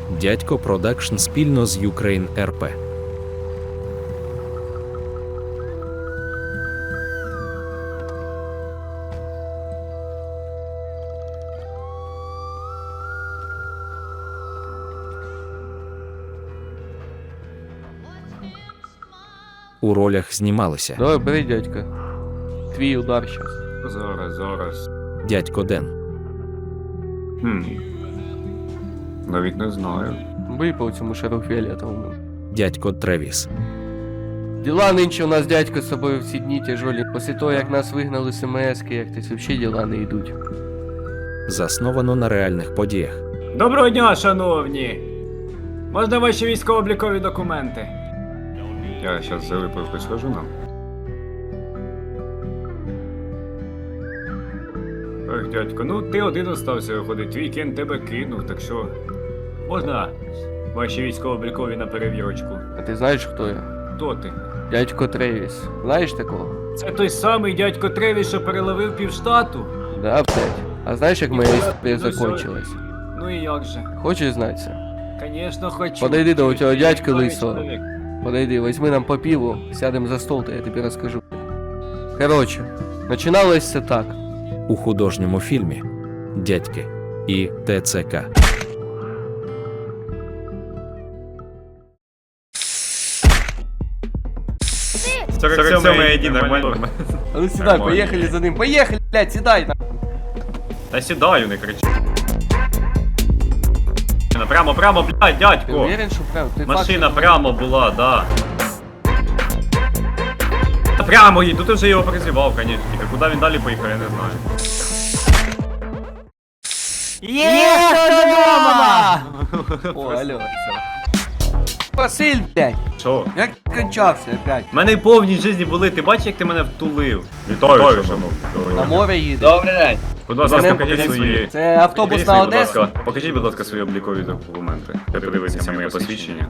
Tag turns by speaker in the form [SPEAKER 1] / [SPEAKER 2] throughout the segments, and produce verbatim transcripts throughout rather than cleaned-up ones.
[SPEAKER 1] Дядько Продакшн спільно з Ukraine ар пі. У ролях знімалися
[SPEAKER 2] Давай, бери, дядька. Твій удар щас.
[SPEAKER 3] Зараз, зараз.
[SPEAKER 1] дядько Ден,
[SPEAKER 3] Хм. Навіть не знаю.
[SPEAKER 2] Бий по цьому шару фіолетовому.
[SPEAKER 1] дядько Тревіс,
[SPEAKER 2] Діла нинче у нас, дядько, з собою всі дні тяжолі. Після того, як нас вигнали з ем ес-ки, як ти взагалі діла не йдуть.
[SPEAKER 1] засновано на реальних подіях.
[SPEAKER 4] Доброго дня, шановні! Можна ваші військово-облікові документи?
[SPEAKER 3] Я зараз залипив схожу нам.
[SPEAKER 4] Ох, дядько, ну ти один остався виходить, твій кін тебе кинув, так що... Можна ваші військово-облікові на перевірочку?
[SPEAKER 2] А ти знаєш, хто я?
[SPEAKER 4] Хто ти?
[SPEAKER 2] Дядько Тревіс. Знаєш такого?
[SPEAKER 4] Це той самий дядько Тревіс, що переловив півштату?
[SPEAKER 2] Да, блядь. А знаєш, як моя історія
[SPEAKER 4] Ну,
[SPEAKER 2] закончилась?
[SPEAKER 4] Ну і як же?
[SPEAKER 2] Хочеш знати це?
[SPEAKER 4] Конечно, хочу.
[SPEAKER 2] Подойди до цього дядька
[SPEAKER 4] Чоловік,
[SPEAKER 2] лисого.
[SPEAKER 4] чоловік.
[SPEAKER 2] Подойди, возьми нам по пиву, сядем за стол, то я тобі розкажу. Короче, починалось все так.
[SPEAKER 1] У художньому фільмі «Дядьки» і те це ка.
[SPEAKER 3] сорок сьомий ай ді, нормально.
[SPEAKER 2] А ну сідай,
[SPEAKER 3] Нормально.
[SPEAKER 2] поїхали за ним. Поїхали, блядь, сідай. на.
[SPEAKER 3] Та сідаю, не кричи. Прямо, прямо, блядь,
[SPEAKER 2] Ти
[SPEAKER 3] дядько.
[SPEAKER 2] уверен, що прям? Ти
[SPEAKER 3] Машина
[SPEAKER 2] факт-
[SPEAKER 3] прямо була, да. Та Прямо їй, ну ти вже його призивав, конечно. Тільки куди він далі поїхав, я не знаю.
[SPEAKER 2] Є, хто дома! О, алло. Василь, блядь,
[SPEAKER 3] Що?
[SPEAKER 2] як ти кончався опять?
[SPEAKER 3] У мене повні житті були, ти бачиш, як ти мене втулив? Вітаю, шановні.
[SPEAKER 2] На море їде.
[SPEAKER 5] Добрий день.
[SPEAKER 3] Будь ласка,
[SPEAKER 2] Мене
[SPEAKER 3] покажіть свої...
[SPEAKER 2] Це автобус
[SPEAKER 3] Покажіть
[SPEAKER 2] на
[SPEAKER 3] свої, будь
[SPEAKER 2] Одесу?
[SPEAKER 3] ласка, Покажіть, будь ласка, свої облікові документи. Подивіться моє посвідчення.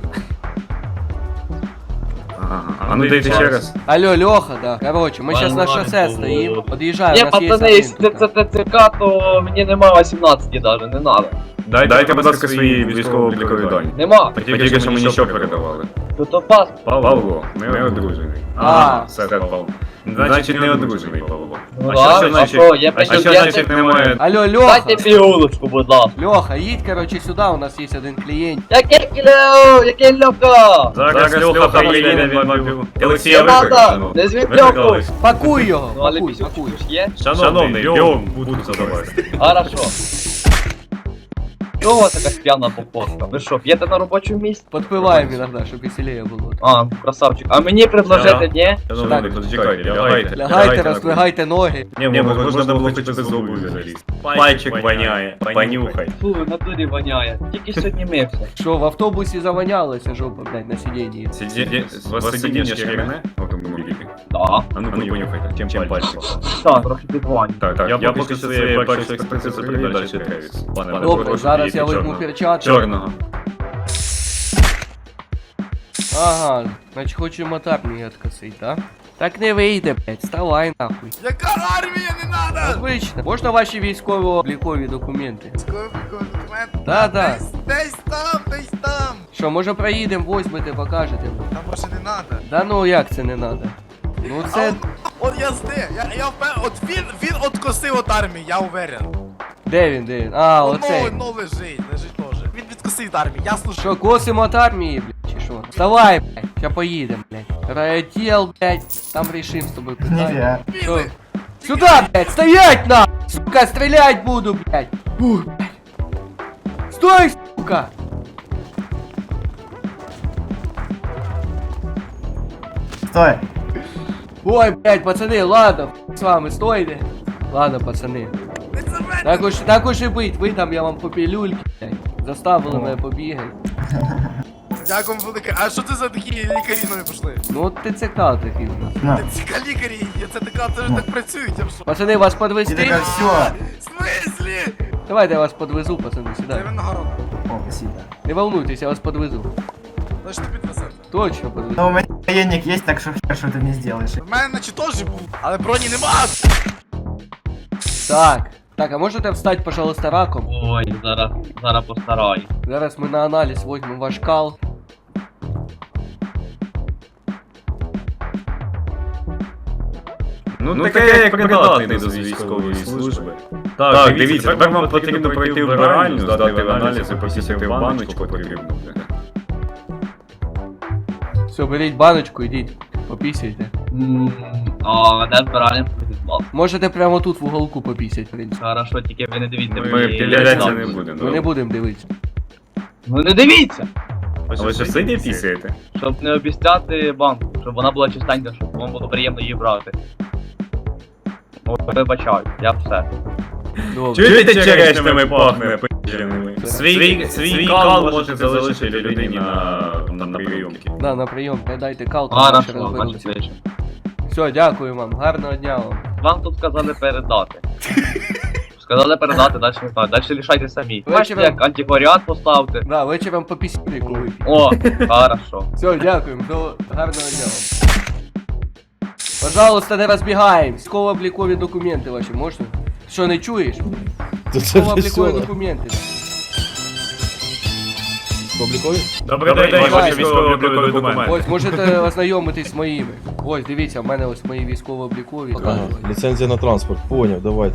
[SPEAKER 3] Ага, а ну дайте ще раз.
[SPEAKER 2] Алло, Леха, да. Короче, мы сейчас на шоссе стоим, подъезжаем,
[SPEAKER 5] Ні,
[SPEAKER 2] у нас есть
[SPEAKER 5] пацани,
[SPEAKER 2] один
[SPEAKER 5] якщо це
[SPEAKER 2] тут.
[SPEAKER 5] ТЦК, то мені нема вісімнадцяти даже, не надо.
[SPEAKER 3] Дайте, дайте, будь ласка, свої військово-облікові дані.
[SPEAKER 5] Нема.
[SPEAKER 3] Тільки що мені що передавали?
[SPEAKER 5] Тут то пас.
[SPEAKER 3] Павло, не одружений.
[SPEAKER 2] А.
[SPEAKER 3] все, Павло. Значить, не одружений Павло.
[SPEAKER 5] Ну
[SPEAKER 3] А
[SPEAKER 5] да,
[SPEAKER 3] що
[SPEAKER 5] а
[SPEAKER 3] значить?
[SPEAKER 5] що, є
[SPEAKER 3] А що
[SPEAKER 5] претенденти?
[SPEAKER 3] значить немає?
[SPEAKER 2] Алло, Леха,
[SPEAKER 5] Дайте пігулочку, будь ласка.
[SPEAKER 2] Леха, едь, короче, сюда, у нас есть один клиент.
[SPEAKER 5] Яке кілео, яке льока?
[SPEAKER 3] Зараз Льоха приїде, він мабів. Олексій,
[SPEAKER 5] Не
[SPEAKER 3] я
[SPEAKER 5] надо,
[SPEAKER 3] викликав.
[SPEAKER 5] не звідь льоку.
[SPEAKER 3] Викликались.
[SPEAKER 2] Пакуй його,
[SPEAKER 5] Ну, але
[SPEAKER 2] пакуй,
[SPEAKER 5] пісюк
[SPEAKER 2] пакуй.
[SPEAKER 5] ж є?
[SPEAKER 3] Шановний, йом, буду задавати.
[SPEAKER 5] Хорошо. Чого у вас така п'яна походка? Ви що, п'єте на робочому місці?
[SPEAKER 2] Подпиваем иногда, чтобы веселее было.
[SPEAKER 5] А, красавчик. А мені предложити, ні?
[SPEAKER 3] Шановний, почекайте, лягайте.
[SPEAKER 2] Лягайте, роздвигайте ноги.
[SPEAKER 3] Ні, ні, можна було хоча б зробу залізти. Пальчик воняє, понюхай.
[SPEAKER 5] Фу, в натурі воняє. Тільки сьогодні мився.
[SPEAKER 2] Что, в автобусе завонялась жопа, блядь, на сиденье.
[SPEAKER 3] Сидіння, вас сидіння шкіряне? Автомобілі.
[SPEAKER 5] Да.
[SPEAKER 3] А ну понюхайте, чим пальчик.
[SPEAKER 5] Так, трохи підвань.
[SPEAKER 3] Так, так, я поки що своєї першої експертизи привів, далі Тревіс. Пане,
[SPEAKER 2] Добре,
[SPEAKER 3] прошу,
[SPEAKER 2] зараз я
[SPEAKER 3] підійдіть
[SPEAKER 2] візьму
[SPEAKER 3] чорного.
[SPEAKER 2] перчатки.
[SPEAKER 3] Чорного.
[SPEAKER 2] Ага, значить хочу мотарні откосить, да? Так не вийде, блядь, вставай нахуй.
[SPEAKER 6] Яка армія, не надо!
[SPEAKER 2] Обично. Можна ваші військово-облікові документи?
[SPEAKER 6] Військовий документ.
[SPEAKER 2] Да, да.
[SPEAKER 6] Десь, десь там, десь там.
[SPEAKER 2] Що, може проїдемо, возьмете, покажете?
[SPEAKER 6] Там може не надо.
[SPEAKER 2] Да ну як це не надо? Ну
[SPEAKER 6] А
[SPEAKER 2] це...
[SPEAKER 6] от, от я знаю, я, я впевнений, от він, він откосив от армії, я уверен.
[SPEAKER 2] Де він, де він? А,
[SPEAKER 6] Воно,
[SPEAKER 2] оцей.
[SPEAKER 6] воно лежить, лежить теж. Він відкосив від армії, я слушаю.
[SPEAKER 2] Що, косимо от армії, блядь, чи що? Вставай, блядь, ща поїдемо, блядь. Райотдел, блядь, там решим з тобою питання. Що?
[SPEAKER 6] Білий.
[SPEAKER 2] Сюда, блядь, стоять на! Сука, стрелять буду, блядь! Ух, блядь! Стой, сука!
[SPEAKER 7] Стой!
[SPEAKER 2] Ой, блядь, пацаны, ладно, хуй с вами, стойте! Ладно, пацаны.
[SPEAKER 6] Не це мене.
[SPEAKER 2] Так уж, так уж и быть, ви там, я вам по пилюльки, блядь. Заставили мене побігати.
[SPEAKER 6] Дякую велике. А що це за такі лікарі з нами пішли?
[SPEAKER 2] Ну от ти це такий у нас.
[SPEAKER 7] На.
[SPEAKER 6] Ці лікарі, це така, це ж так працюють, я що?
[SPEAKER 2] Пацани, вас
[SPEAKER 7] Ти
[SPEAKER 2] подвезти?
[SPEAKER 7] така, все!
[SPEAKER 6] В смислі?
[SPEAKER 2] Давайте я вас подвезу, пацани,
[SPEAKER 6] Це
[SPEAKER 2] сюди.
[SPEAKER 6] він нагорода.
[SPEAKER 7] О, спасибо.
[SPEAKER 2] Не волнуйтесь, я вас подвезу.
[SPEAKER 6] Значить ти підвезете.
[SPEAKER 2] Точно подвезу.
[SPEAKER 7] Но у меня военник есть, так что хер, что ты мне сделаешь.
[SPEAKER 6] В мене наче теж був, але броні нема.
[SPEAKER 2] Так, Так, а можете встать, пожалуйста, раком?
[SPEAKER 5] Ой, зараз, зараз постараюсь.
[SPEAKER 2] Зараз ми на аналіз візьмемо ваш кал.
[SPEAKER 3] Ну, таке як придатний до військової служби. Так, дивіться, тепер вам потрібно пройти вбиральню, здати аналізи, посісти в баночку потрібно.
[SPEAKER 2] Все, беріть баночку, ідіть, попісяйте.
[SPEAKER 5] М, А, де збираємо?
[SPEAKER 2] Можете прямо тут в уголку попісять, в принципі.
[SPEAKER 5] Хорошо, тільки ви не дивіться.
[SPEAKER 3] Ми
[SPEAKER 5] мені
[SPEAKER 3] підглядатися
[SPEAKER 5] лиця.
[SPEAKER 3] не будемо.
[SPEAKER 2] Ми не будемо дивитися.
[SPEAKER 5] Ну не дивіться!
[SPEAKER 3] А ви що сиді пісяєте?
[SPEAKER 5] Щоб не обіцяти банку, щоб вона була чистенька, щоб вам було приємно її брати. Ой, вибачаю, я все.
[SPEAKER 2] Добре.
[SPEAKER 3] Чуєте, черешнями пахне печеними? Свій, свій кал можете залишити людині на, на, на прийомки.
[SPEAKER 2] Да, на прийом, передайте кал, там
[SPEAKER 5] Хорошо,
[SPEAKER 2] ще розберуться.
[SPEAKER 5] значить вийшло.
[SPEAKER 2] Все, дякую вам, гарного дня вам.
[SPEAKER 5] Вам тут сказали передати. Сказали передати, далі не знаю, далі рішайте самі. Бачите,
[SPEAKER 2] Вечором-
[SPEAKER 5] як антикваріат поставте.
[SPEAKER 2] Да, вечором по пісюліку вип'ємо.
[SPEAKER 5] О, хорошо.
[SPEAKER 2] Все, дякуємо, до гарного дня вам. Пожалуйста, не розбігаємось. Військово-облікові документи ваші можна? Що, не чуєш? Військово-облікові документи.
[SPEAKER 3] Добрий день,
[SPEAKER 2] день,
[SPEAKER 3] ваші
[SPEAKER 2] ваші
[SPEAKER 3] військово-облікові документи.
[SPEAKER 2] Ось, можете ознайомитись з моїми. Ось, дивіться, в мене ось мої військово-облікові.
[SPEAKER 8] Ага, ліцензія на транспорт, поняв, давайте.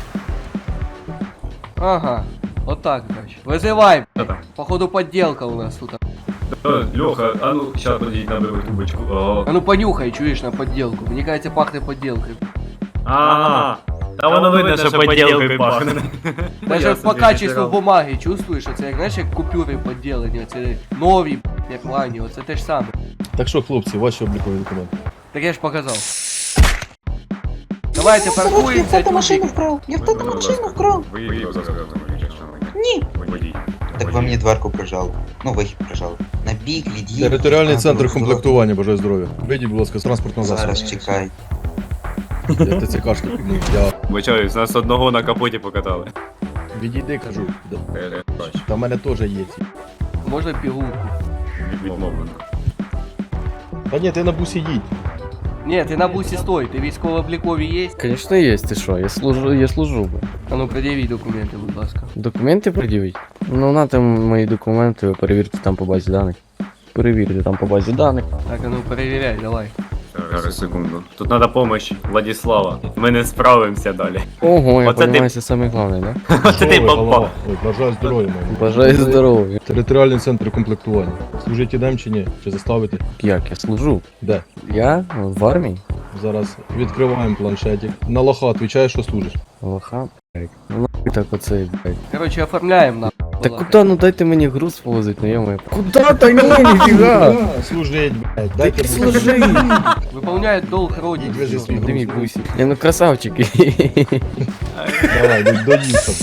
[SPEAKER 2] Ага, отак, значить. Визивай.
[SPEAKER 3] Що там?
[SPEAKER 2] Походу подделка у нас тут.
[SPEAKER 3] Льоха, а ну, щас подійдіть на белу трубочку. О.
[SPEAKER 2] А ну понюхай, чуєш, на подделку. Мені кажется, пахне подделкою.
[SPEAKER 3] Ага. Та воно видно, що поділкою пахне.
[SPEAKER 2] Даже по качеству бумаги чувствуєш, оце як, знаєш, як купюри поділені, оце нові, як лані, оце те ж саме.
[SPEAKER 8] Так що, хлопці, ваші облікові документи.
[SPEAKER 2] Так я ж показав. Давайте
[SPEAKER 9] Я
[SPEAKER 2] паркуємося,
[SPEAKER 9] в тата машину
[SPEAKER 2] тюбик.
[SPEAKER 9] вкрав. Я в тата машину вкрав.
[SPEAKER 3] Виїхав зараз.
[SPEAKER 9] Ні.
[SPEAKER 3] Водій.
[SPEAKER 10] Так ви мені дверку прижали. Ну, вихід прижали. На бік, від'їдь.
[SPEAKER 8] Територіальний
[SPEAKER 10] Так,
[SPEAKER 8] центр
[SPEAKER 10] ну,
[SPEAKER 8] комплектування, бажаю здоров'я. Вийдіть, будь ласка, з транспортного засобу.
[SPEAKER 10] Зараз чекай.
[SPEAKER 8] Я ТЦКшки піднув. Я
[SPEAKER 3] Вибачаюсь, нас одного на капоті покатали.
[SPEAKER 8] відійди, кажу. Та в мене теж є ці.
[SPEAKER 2] Можна пігулку?
[SPEAKER 3] Відмовлено.
[SPEAKER 8] Та ні, ти на бусі їдь.
[SPEAKER 2] Ні, ти на бусі стой, ти військово-облікові є?
[SPEAKER 11] Конечно есть, ты что, я служу, я служу бы.
[SPEAKER 2] А ну пред'явіть документи, будь ласка.
[SPEAKER 11] Документи пред'явить? Ну на там мої документи, ви перевірте там по базі даних. Перевірте там по базі даних.
[SPEAKER 2] Так, а ну перевіряй, давай.
[SPEAKER 3] Зараз, секунду. Тут треба помощь Владислава. Ми не справимося далі.
[SPEAKER 11] Ого, я
[SPEAKER 3] Оце ти-
[SPEAKER 11] понимаю, це саме головне, да?
[SPEAKER 3] Оце ти
[SPEAKER 8] Ой,
[SPEAKER 3] попав.
[SPEAKER 8] голова. Ой, бажаю здоров'я, мабуть.
[SPEAKER 11] Бажаю здоров'я.
[SPEAKER 8] Територіальний центр комплектування. Служить ідем чи ні? Чи заставити?
[SPEAKER 11] Як я служу?
[SPEAKER 8] Де?
[SPEAKER 11] Я в армії?
[SPEAKER 8] Зараз відкриваємо планшетик. На лоха відповідаєш, що служиш.
[SPEAKER 11] Лоха, блядь. Ну нахуй так оце, блядь.
[SPEAKER 2] Короче, оформляємо на.
[SPEAKER 11] Та куди, ну дайте мені груз повозить, ну йомаю. Куда? Та ні, ніфіга!
[SPEAKER 8] Служить, блядь. Дайте
[SPEAKER 11] Служи!
[SPEAKER 2] Выполняет долг родине.
[SPEAKER 8] Відвези свій
[SPEAKER 11] Ти мій
[SPEAKER 8] груз.
[SPEAKER 11] бусі. Я ну красавчики.
[SPEAKER 8] Давай, до- доїхав.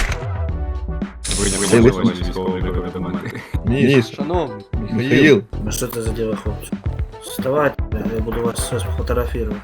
[SPEAKER 3] Вийняли ваші військово-облікові документи.
[SPEAKER 8] Міш,
[SPEAKER 2] Шановний.
[SPEAKER 8] Михаїл.
[SPEAKER 12] Ну что это за дело, хлопцы? Вставайте, я буду вас сейчас фотографировать.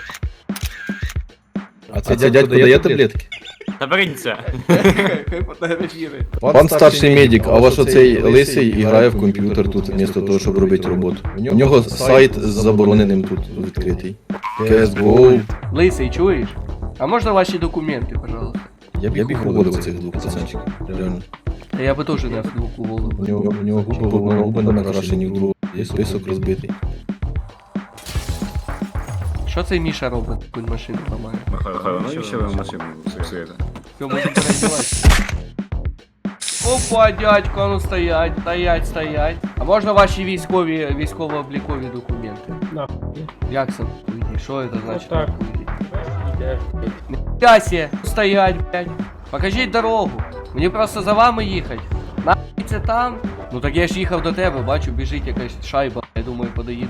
[SPEAKER 8] А це дядько дає таблетки?
[SPEAKER 3] Та беріться.
[SPEAKER 2] Хай фотографірує.
[SPEAKER 8] Пан старший медик, а ваш оцей лисий грає в комп'ютер тут, вмісто того, щоб робити роботу. У нього сайт з забороненим тут відкритий. кей ес го.
[SPEAKER 2] Лисий, чуєш? А можна ваші документи, пожалуйста?
[SPEAKER 8] Я б їх уводив цих двох пацанчиків. Реально.
[SPEAKER 2] Та я би теж не вдвох уволив.
[SPEAKER 8] У нього, у нього губи, губи не накрашені в другу. Є список розбитий.
[SPEAKER 2] Що цей Міша робить? Він машину ламає.
[SPEAKER 3] Михайло, навіщо ви в машину псуєте?
[SPEAKER 2] Все, можемо переодіватися. Опа, дядько, а ну стоять, стоять, стоять. А можна ваші військові, військово-облікові документи? Як це? Уйди, що це значить? Так. Нахуя стоять, блядь. Покажіть дорогу. Мені просто за вами їхати. Нахуй це там? Ну так я ж їхав до тебе, бачу, біжить якась шайба. Я думаю, подоїду.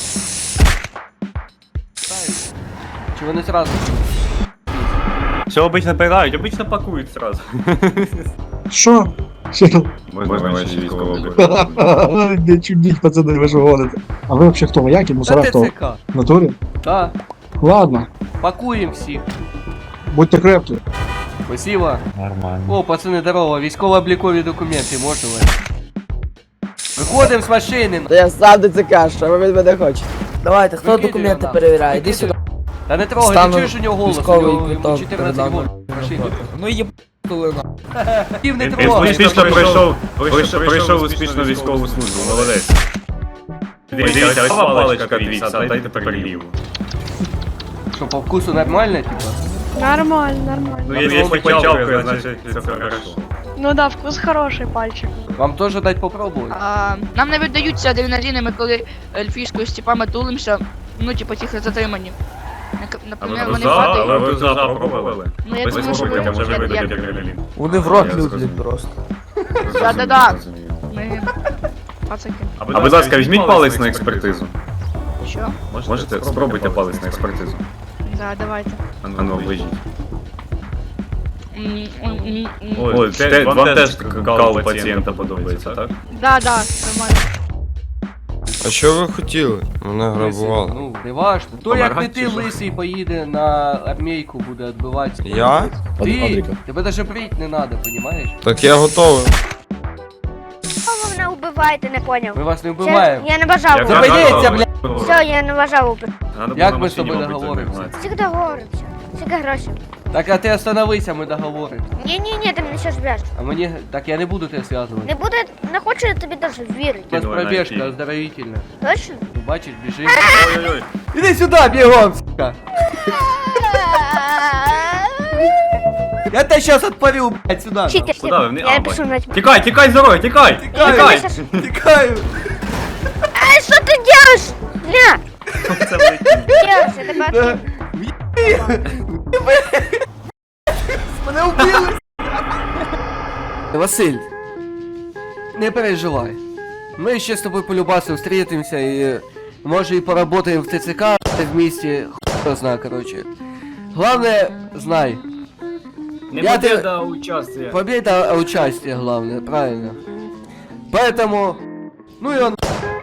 [SPEAKER 2] Чи вони зразу?
[SPEAKER 3] Що обично пирають? Обично пакують сразу.
[SPEAKER 12] Что?
[SPEAKER 3] Можна ваші військово-облікові.
[SPEAKER 12] Не чудить, пацаны, вы же гоните. А вы вообще кто? Вояки,
[SPEAKER 2] Та
[SPEAKER 12] мусора, кто?
[SPEAKER 2] ТЦК.
[SPEAKER 12] В натуре?
[SPEAKER 2] Так,
[SPEAKER 12] Ладно,
[SPEAKER 2] пакуємо всіх.
[SPEAKER 12] будьте крепки.
[SPEAKER 2] Спасибо.
[SPEAKER 11] Нормально.
[SPEAKER 2] О, пацани, здорово, військово-облікові документи, можна ви? Виходимо з машини.
[SPEAKER 9] Та я сам ДЦК, що ви від мене хочете? Давайте, хто
[SPEAKER 2] Викидуй
[SPEAKER 9] документи
[SPEAKER 2] його,
[SPEAKER 9] перевіряє? Іди
[SPEAKER 2] викидуй.
[SPEAKER 9] сюди.
[SPEAKER 2] Та не трогай,
[SPEAKER 11] Стану
[SPEAKER 2] ти чуєш у нього голос, у
[SPEAKER 11] військовий
[SPEAKER 2] нього йому
[SPEAKER 11] квиток
[SPEAKER 2] чотирнадцять
[SPEAKER 11] передам.
[SPEAKER 2] років. Машині.
[SPEAKER 11] Ну є тулина.
[SPEAKER 2] Ків не
[SPEAKER 3] Він
[SPEAKER 2] трогай.
[SPEAKER 3] успішно пройшов, пройшов, пройшов успішно військову службу, молодець. Дивіться, ось паличка дивіться, а дайте тепер ліву.
[SPEAKER 2] Що, по вкусу нормально, типа?
[SPEAKER 9] Нормально, нормально.
[SPEAKER 3] Ну, якщо почалкою, значить це хорошо.
[SPEAKER 9] Ну да, вкус хороший пальчик.
[SPEAKER 2] Вам теж дать попробувати?
[SPEAKER 9] А, нам не видаються адреналіни, ми коли ельфійською з типами тулимося, ну типу тихо затримані. Нак-
[SPEAKER 3] А
[SPEAKER 9] Наприклад,
[SPEAKER 3] ви
[SPEAKER 9] вони
[SPEAKER 3] за, але
[SPEAKER 9] падають.
[SPEAKER 3] ви за пробували?
[SPEAKER 9] Ну я
[SPEAKER 3] Ви
[SPEAKER 9] думаю, що
[SPEAKER 3] спробуйте,
[SPEAKER 9] ви
[SPEAKER 3] може
[SPEAKER 9] як-
[SPEAKER 3] видадуть
[SPEAKER 9] як-
[SPEAKER 3] адреналін.
[SPEAKER 11] Вони в рот
[SPEAKER 3] Я
[SPEAKER 11] люблять
[SPEAKER 3] зрозумів.
[SPEAKER 11] просто.
[SPEAKER 9] Да-да-да.
[SPEAKER 3] Зрозумів.
[SPEAKER 9] Ми пацаки.
[SPEAKER 3] А будь ласка, візьміть палець на експертизу.
[SPEAKER 9] Що?
[SPEAKER 3] Можете? Спробуйте палець на експертизу.
[SPEAKER 9] Да, давайте.
[SPEAKER 3] А ну, оближіть.
[SPEAKER 9] М, м, м, м.
[SPEAKER 3] Ой, те- вам теж кал пацієнта подобається, так?
[SPEAKER 9] Да, да, нормально.
[SPEAKER 11] А що ви хотіли? Мене
[SPEAKER 2] Ну, не важно. То як не
[SPEAKER 3] Помагати
[SPEAKER 2] ти
[SPEAKER 3] чи що?
[SPEAKER 2] лисий поїде на армійку, буде відбиватися.
[SPEAKER 11] Я?
[SPEAKER 2] Ти?
[SPEAKER 8] Адріка.
[SPEAKER 2] Тебе даже брить не надо, понімаєш?
[SPEAKER 11] Так я готовий.
[SPEAKER 9] Ви мене вбиваєте, не поняв.
[SPEAKER 2] Ми вас не вбиваємо.
[SPEAKER 9] Я не бажав.
[SPEAKER 3] Як
[SPEAKER 2] Зупиніться,
[SPEAKER 3] ви-
[SPEAKER 2] блядь!
[SPEAKER 9] Все, я не бажав убити.
[SPEAKER 3] Надо було
[SPEAKER 2] Як
[SPEAKER 3] на
[SPEAKER 2] ми з
[SPEAKER 3] машині,
[SPEAKER 2] тобою
[SPEAKER 3] мабуть,
[SPEAKER 2] договоримося?
[SPEAKER 3] загнати.
[SPEAKER 9] Всіх договоримося. Всіх грошей.
[SPEAKER 2] Так, а ти остановися, ми договоримо.
[SPEAKER 9] Ні-ні-ні, ти мене ще зв'яжеш.
[SPEAKER 2] А мені... Так я не буду тебе зв'язувати.
[SPEAKER 9] Не буде, не хочу я тобі даже вірити.
[SPEAKER 2] У нас
[SPEAKER 3] Давай,
[SPEAKER 2] пробіжка
[SPEAKER 3] найти.
[SPEAKER 2] оздоровительна.
[SPEAKER 9] Точно?
[SPEAKER 2] Ну, бачиш, біжи.
[SPEAKER 3] Ой-ой-ой.
[SPEAKER 2] Іди сюди, бігом, сука! Я тебе щас отпарю, блядь, сюди.
[SPEAKER 9] Читер,
[SPEAKER 3] Куди ви? Вни-
[SPEAKER 9] я
[SPEAKER 3] а,
[SPEAKER 9] пишу на тебе.
[SPEAKER 3] Тікай, тікай, здоров'я, тікай!
[SPEAKER 2] Тікаю,
[SPEAKER 3] Тікай!
[SPEAKER 2] тікаю.
[SPEAKER 9] Ай, що ти делаешь? Ля!
[SPEAKER 3] Це ви-
[SPEAKER 9] Делаешь, я тебе
[SPEAKER 2] Да.
[SPEAKER 9] откину.
[SPEAKER 2] Мене вбили! Василь, не переживай. Ми ще з тобою полюбасно встретимся і може і поработаем в ТЦК вместе, хуй знає, короче. Главное, знай,
[SPEAKER 4] Не
[SPEAKER 2] Я те-
[SPEAKER 4] победа, а участие.
[SPEAKER 2] победа, а участие главное, правильно. Поэтому, ну и он